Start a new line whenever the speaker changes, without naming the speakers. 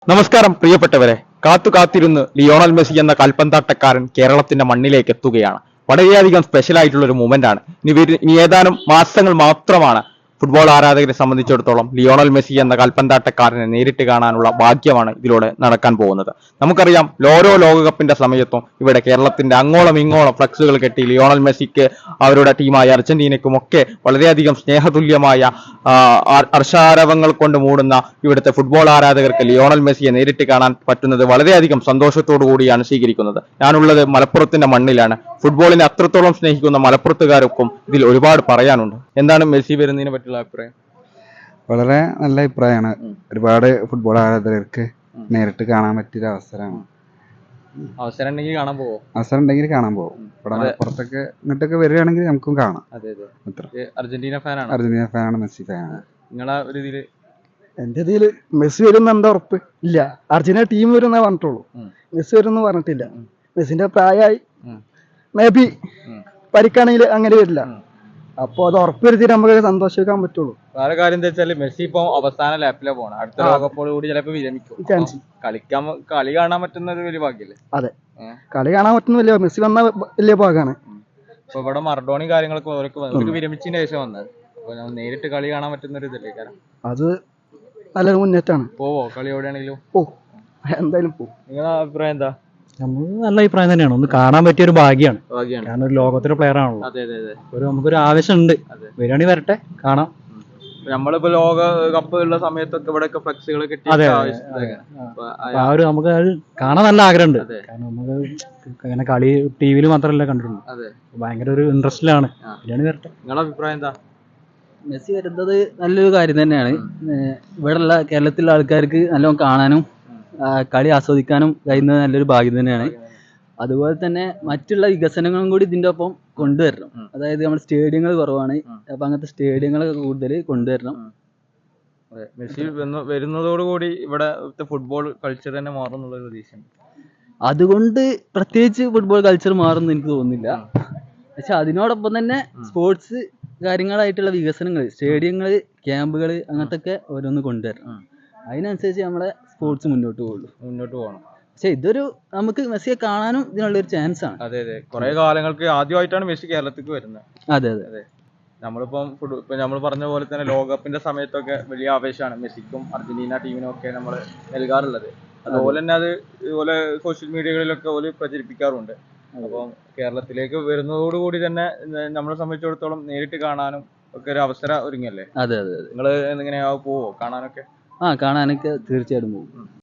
നമസ്കാരം പ്രിയപ്പെട്ടവരെ, കാത്തിരുന്ന് ലിയോണൽ മെസ്സി എന്ന കൽപ്പന്താട്ടക്കാരൻ കേരളത്തിന്റെ മണ്ണിലേക്ക് എത്തുകയാണ്. വളരെയധികം സ്പെഷ്യൽ ആയിട്ടുള്ള ഒരു മൂമെന്റ് ആണ്. ഇനി ഏതാനും മാസങ്ങൾ മാത്രമാണ് ഫുട്ബോൾ ആരാധകരെ സംബന്ധിച്ചിടത്തോളം ലിയോണൽ മെസ്സി എന്ന കൽപ്പന്താട്ടക്കാരനെ നേരിട്ട് കാണാനുള്ള ഭാഗ്യമാണ് ഇതിലൂടെ നടക്കാൻ പോകുന്നത്. നമുക്കറിയാം, ഓരോ ലോകകപ്പിന്റെ സമയത്തും ഇവിടെ കേരളത്തിന്റെ അങ്ങോളം ഇങ്ങോളം ഫ്ലക്സുകൾ കെട്ടി ലിയോണൽ മെസ്സിക്ക് അവരുടെ ടീമായ അർജന്റീനയ്ക്കും ഒക്കെ വളരെയധികം സ്നേഹതുല്യമായ ഹർഷാരവങ്ങൾ കൊണ്ട് മൂടുന്ന ഇവിടുത്തെ ഫുട്ബോൾ ആരാധകർക്ക് ലിയോണൽ മെസ്സിയെ നേരിട്ട് കാണാൻ പറ്റുന്നത് വളരെയധികം സന്തോഷത്തോടു കൂടിയാണ് സ്വീകരിക്കുന്നത്. ഞാനുള്ളത് മലപ്പുറത്തിന്റെ മണ്ണിലാണ്. ഫുട്ബോളിനെ അത്രത്തോളം സ്നേഹിക്കുന്ന മലപ്പുറത്തുകാർക്കും ഇതിൽ ഒരുപാട് പറയാനുണ്ട്. എന്താണ് മെസ്സി വരുന്നതിനെ പറ്റിയുള്ള അഭിപ്രായം?
വളരെ നല്ല അഭിപ്രായമാണ്. ഒരുപാട് ഫുട്ബോൾ ആരാധകർക്ക് നേരിട്ട് കാണാൻ പറ്റിയ അവസരമാണ്.
അവസരം ഉണ്ടെങ്കിൽ കാണാൻ പോവോ?
അവസരം ഉണ്ടെങ്കിൽ കാണാൻ പോകും. ഇവിടെ മലപ്പുറത്തൊക്കെ ഇങ്ങോട്ടൊക്കെ വരികയാണെങ്കിൽ നമുക്കും കാണാം.
അർജന്റീന ഫാനാണ്.
അർജന്റീന ഫാനാണ്, മെസ്സി ഫാനാണ്.
നിങ്ങളെ ഒരു ഇതില്?
എന്റെ ഇതില് മെസ്സി വരുന്ന എന്താ ഉറപ്പ് ഇല്ല. അർജന്റീന ടീം വരുന്ന പറഞ്ഞിട്ടുള്ളൂ, മെസ്സി വരുന്ന പറഞ്ഞിട്ടില്ല. മെസ്സിന്റെ പ്രായമായി, മേ ബി പരിക്കാണെങ്കിൽ അങ്ങനെ വരില്ല. അപ്പൊ അത് ഉറപ്പ് വരുത്തിയിട്ട് നമുക്ക് സന്തോഷിക്കാൻ പറ്റുള്ളൂ.
വേറെ കാര്യം എന്താ വെച്ചാല് മെസ്സി ഇപ്പൊ അവസാന ലാപ്പിലാണ് പോകണം. അടുത്ത ലോകകപ്പോട് കൂടി ചിലപ്പോ വിരമിക്കും. കളി കാണാൻ പറ്റുന്ന ഒരു വലിയ ഭാഗ്യല്ലേ?
അതെ, കളി കാണാൻ പറ്റുന്ന വലിയ, മെസ്സി വന്ന വലിയ ഭാഗമാണ്.
ഇപ്പൊ ഇവിടെ മറഡോണി കാര്യങ്ങളൊക്കെ അവർക്ക് വിരമിച്ചതിന് ശേഷം വന്നത്. അപ്പൊ നേരിട്ട് കളി കാണാൻ പറ്റുന്ന ഒരു ഇതല്ലേ കാരണം?
അത് നല്ലൊരു മുന്നേറ്റാണ്.
പോവോ? കളി എവിടെയാണെങ്കിലും
എന്തായാലും പോകും.
നിങ്ങളുടെ അഭിപ്രായം എന്താ?
നമുക്ക് നല്ല അഭിപ്രായം തന്നെയാണ്. ഒന്ന് കാണാൻ പറ്റിയ ഒരു ഭാഗ്യമാണ്. കാരണം ഒരു ലോകത്തിലെ പ്ലെയർ ആണല്ലോ. നമുക്കൊരു ആവശ്യമുണ്ട്. വരികയാണെങ്കിൽ വരട്ടെ, കാണാം.
നമ്മളിപ്പോ ലോക കപ്പ് ഉള്ള സമയത്തൊക്കെ ഇവിടെ ഫ്ലക്സുകൾ കിട്ടി.
നമുക്ക് അത് കാണാൻ നല്ല ആഗ്രഹമുണ്ട്. കാരണം നമുക്ക് അങ്ങനെ കളി ടിവിയിൽ മാത്രമല്ല കണ്ടിട്ടുള്ളൂ. ഭയങ്കര ഒരു ഇൻട്രസ്റ്റിലാണ്. വരികയാണെങ്കിൽ വരട്ടെ.
നിങ്ങളുടെ അഭിപ്രായം എന്താ?
മെസ്സി വരുന്നത് നല്ലൊരു കാര്യം തന്നെയാണ്. ഇവിടെയുള്ള കേരളത്തിലുള്ള ആൾക്കാർക്ക് നല്ലോണം കാണാനും കളി ആസ്വദിക്കാനും കഴിയുന്നത് നല്ലൊരു ഭാഗ്യം തന്നെയാണ്. അതുപോലെ തന്നെ മറ്റുള്ള വികസനങ്ങളും കൂടി ഇതിൻ്റെ ഒപ്പം കൊണ്ടുവരണം. അതായത് നമ്മുടെ സ്റ്റേഡിയങ്ങൾ കുറവാണ്, അപ്പൊ അങ്ങനത്തെ സ്റ്റേഡിയങ്ങളൊക്കെ കൂടുതൽ കൊണ്ടുവരണം.
മെസ്സി വരുന്നതോടുകൂടി ഇവിടെ ഫുട്ബോൾ കൾച്ചർ തന്നെ മാറും എന്നുള്ളൊരു പ്രതീക്ഷയാണ്.
അതുകൊണ്ട് പ്രത്യേകിച്ച് ഫുട്ബോൾ കൾച്ചർ മാറുമെന്ന് എനിക്ക് തോന്നുന്നില്ല. പക്ഷെ അതിനോടൊപ്പം തന്നെ സ്പോർട്സ് കാര്യങ്ങളായിട്ടുള്ള വികസനങ്ങൾ, സ്റ്റേഡിയങ്ങൾ, ക്യാമ്പുകൾ, അങ്ങനത്തെ ഒക്കെ ഓരോന്ന് കൊണ്ടുവരണം. അതിനനുസരിച്ച് നമ്മളെ സ്പോർട്സ് മുന്നോട്ട്
പോകണം.
പക്ഷെ ഇതൊരു നമുക്ക് മെസ്സിയെ കാണാനും ഇതിനുള്ളൊരു ചാൻസ് ആണ്.
അതെ, കുറെ കാലങ്ങൾക്ക് ആദ്യമായിട്ടാണ് മെസ്സി കേരളത്തിലേക്ക് വരുന്നത്.
അതെ.
നമ്മളിപ്പം നമ്മൾ പറഞ്ഞ പോലെ തന്നെ ലോകകപ്പിന്റെ സമയത്തൊക്കെ വലിയ ആവേശമാണ് മെസ്സിക്കും അർജന്റീന ടീമിനും ഒക്കെ നമ്മൾ നൽകാറുള്ളത്. അതുപോലെ തന്നെ അത് ഇതുപോലെ സോഷ്യൽ മീഡിയകളിലൊക്കെ ഓല് പ്രചരിപ്പിക്കാറുണ്ട്. അപ്പം കേരളത്തിലേക്ക് വരുന്നതോടുകൂടി തന്നെ നമ്മളെ സംബന്ധിച്ചിടത്തോളം നേരിട്ട് കാണാനും ഒക്കെ ഒരു അവസരം ഒരുങ്ങല്ലേ?
അതെ.
നിങ്ങൾ എങ്ങനെയാ പോവോ കാണാനൊക്കെ?
കാണാനൊക്കെ തീർച്ചയായിട്ടും പോകും.